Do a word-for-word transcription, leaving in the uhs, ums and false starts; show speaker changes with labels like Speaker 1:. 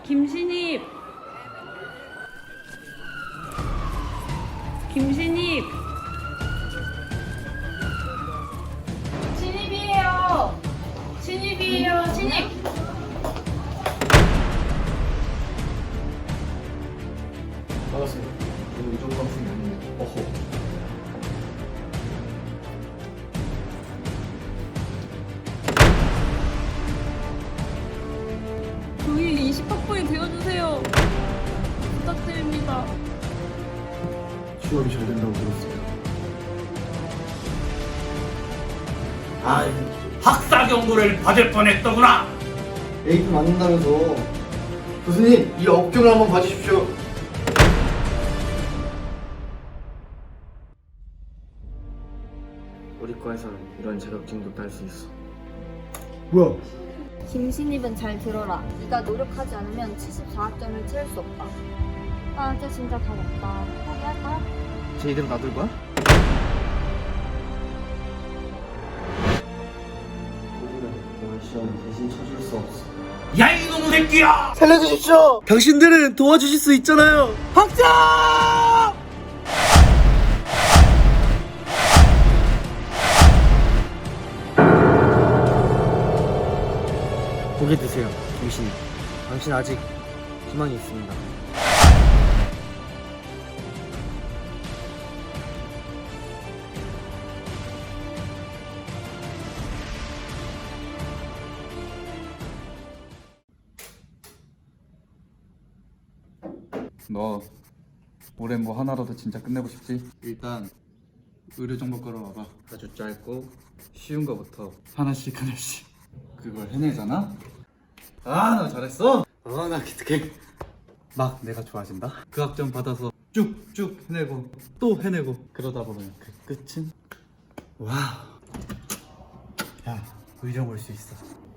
Speaker 1: 김신입! 김신입! 신입이에요! 신입이에요! 신입!
Speaker 2: 반갑습니다. 저는 이종광 선생님입니다. 어허.
Speaker 1: 저희 이십 학번이 되어주세요. 부탁드립니다.
Speaker 2: 취업이 잘 된다고 들었어요.
Speaker 3: 아, 학사 경고를 받을 뻔했더구나.
Speaker 2: 에이프 맞는다면서. 교수님, 이 업경을 한번 봐주십시오.
Speaker 4: 우리 과에서는 이런 자격증도 딸 수 있어.
Speaker 2: 뭐야?
Speaker 5: 김신입은 잘 들어라. 네가 노력하지 않으면 칠십사 학점을 채울 수 없다. 아, 이제 진짜 다 없다. 포기할까?
Speaker 4: 쟤 이대로 놔둘 거야?
Speaker 2: 우리는 이번 시험을 대신 쳐줄 수 없어.
Speaker 3: 야, 이놈의 새끼야!
Speaker 4: 살려주십시오! 당신들은 도와주실 수 있잖아요! 학자! 고개 드세요, 김신이. 당신 아직 희망이 있습니다.
Speaker 6: 너 올해 뭐 하나라도 진짜 끝내고 싶지? 일단 의료 정보과로 와봐.
Speaker 4: 아주 짧고 쉬운 거부터.
Speaker 6: 하나씩 하나씩 그걸 해내잖아? 아, 나 잘했어. 아, 나 기특해. 막 내가 좋아진다. 그 학점 받아서 쭉쭉 해내고 또 해내고 그러다 보면 그 끝은 와우. 야, 의정 올 수 있어.